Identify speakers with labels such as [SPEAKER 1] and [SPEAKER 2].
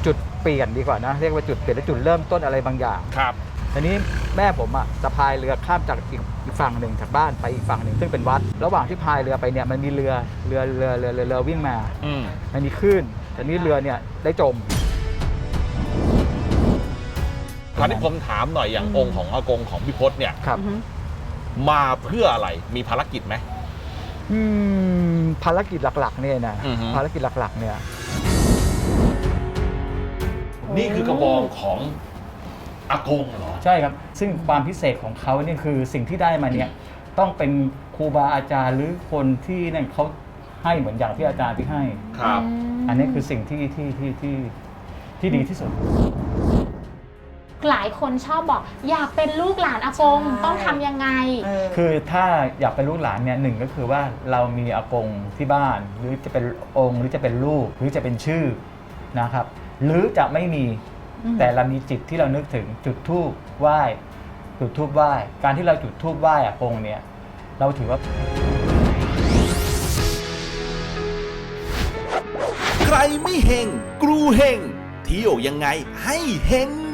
[SPEAKER 1] จุดเปลี่ยนดีกว่านะเรียกว่าจุดเปลี่ยนและจุดเริ่มต้นอะไรบางอย่าง
[SPEAKER 2] ครับ
[SPEAKER 1] ทีนี้แม่ผมจะพายเรือข้ามจากอีกฝั่งหนึ่งจากบ้านไปอีกฝั่งหนึ่งซึ่งเป็นวัดระหว่างที่พายเรือไปเนี่ยมันมีเรือวิ่งมามันมีคลื่นแต่นี้เรือเนี่ยได้จม
[SPEAKER 2] คราวนี้ผมถามหน่อยอย่างองค์ของอากงของพี่พศเนี่ย
[SPEAKER 1] ครับ
[SPEAKER 2] มาเพื่ออะไรมีภารกิจไหม
[SPEAKER 1] ภารกิจหลักๆเนี่ยนะภารกิจหลักๆเนี่ย
[SPEAKER 2] นี่คือกระบองของอากงเหรอ
[SPEAKER 1] ใช่ครับซึ่งความพิเศษของเขาเนี่ยคือสิ่งที่ได้มาเนี่ยต้องเป็นครูบาอาจารย์หรือคนที่นั่นเขาให้เหมือนอย่างที่อาจารย์ที่ให้
[SPEAKER 2] ครับ
[SPEAKER 1] อันนี้คือสิ่งที่ดีที่สุด
[SPEAKER 3] หลายคนชอบบอกอยากเป็นลูกหลานอากงต้องทำยังไง
[SPEAKER 1] คือถ้าอยากเป็นลูกหลานเนี่ยหนึ่งก็คือว่าเรามีอากงที่บ้านหรือจะเป็นองค์หรือจะเป็นลูกหรือจะเป็นชื่อนะครับหรือจะไม่มีแต่เรามีจิตที่เรานึกถึงจุดธูปไหว้จุดธูปไหว้การที่เราจุดธูปไหว้อากงเนี่ยเราถือว่า
[SPEAKER 4] ใครไม่เฮงกรูเฮงเที่ยวยังไงให้เฮง